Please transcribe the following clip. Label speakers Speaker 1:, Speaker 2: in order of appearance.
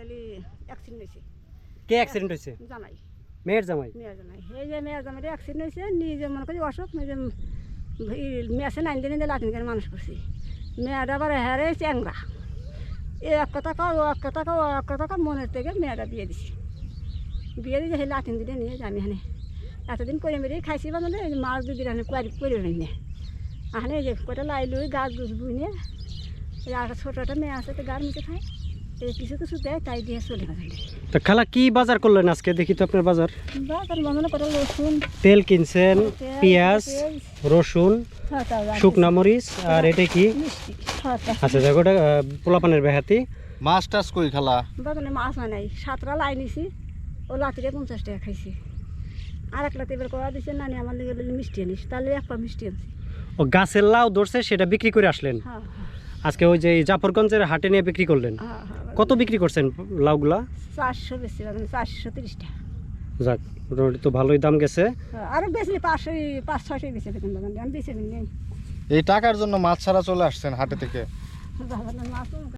Speaker 1: Accident হয়েছে।
Speaker 2: কে accident হয়েছে?
Speaker 1: জামাই,
Speaker 2: মেয়ের জামাই।
Speaker 1: মেয়ের জামাই। এই যে মেয়ের জামাইটা অ্যাক্সিডেন্ট হয়েছে, নিজে মনে করি অসুখ, নিজে মেয়েছে 9 দিনে লাতিন করে মানুষ করছি। মেয়েটা আবার হ্যারে চ্যাংরা, এ এক কথা কাও, ও এক কথা কাও, ও এক কথা কাও, মনের থেকে মেয়েটা বিয়ে দিছি। বিয়ে দিয়ে সেই লাতিন দিনে নিয়ে আমি এখানে এতদিন করে মেরে খাইছি বা মানে মাছ 2 দিন এখানে করে নিয়ে এখানে এই যে কটা লাই লুই গাছ গুছ বুই নিয়ে এই আর ছোটো একটা মেয়ে আছে তো গার মিশে খায়, এই কিছু কিছু দেয় তাই দিয়ে চলে গেছে।
Speaker 2: তো খালা কি বাজার করলেন আজকে? দেখি তো আপনার বাজার।
Speaker 1: বাজার বাজানো কটা রসুন,
Speaker 2: তেল কিনছেন, পেঁয়াজ, রসুন, শুকনা মরিচ, আর এটা কি?
Speaker 1: মিষ্টি।
Speaker 2: আচ্ছা দেখো, ওটা পোলাপানের বেহাতি।
Speaker 3: মাছ টাছ কই খালা?
Speaker 1: বাজারে মাছ হয় নাই, 7টা লাই নিছি, ও লাতিরে 50 টাকা খাইছি। আর এক লাতি এবার করা দিচ্ছে নানি আমার লেগে মিষ্টি আনিস, তাহলে এক পা মিষ্টি আনছি।
Speaker 2: ও গাছের লাউ ধরছে, সেটা বিক্রি করে আসলেন
Speaker 1: হ্যাঁ
Speaker 2: আজকে? ওই যে জাফরগঞ্জের হাটে নিয়ে বিক্রি করলেন?
Speaker 1: হ্যাঁ হ্যাঁ।
Speaker 2: কত বিক্রি করছেন লাউগুলা?
Speaker 1: 400 বেশি, 430 টাকা।
Speaker 2: যাক, মোটামুটি তো ভালোই দাম গেছে।
Speaker 1: আরো বেশি 500-600 বেশি বেতন বাগান আমি বেশি নেই।
Speaker 3: এই টাকার জন্য মাছ ছাড়া চলে আসছেন হাটে থেকে?
Speaker 1: মাছ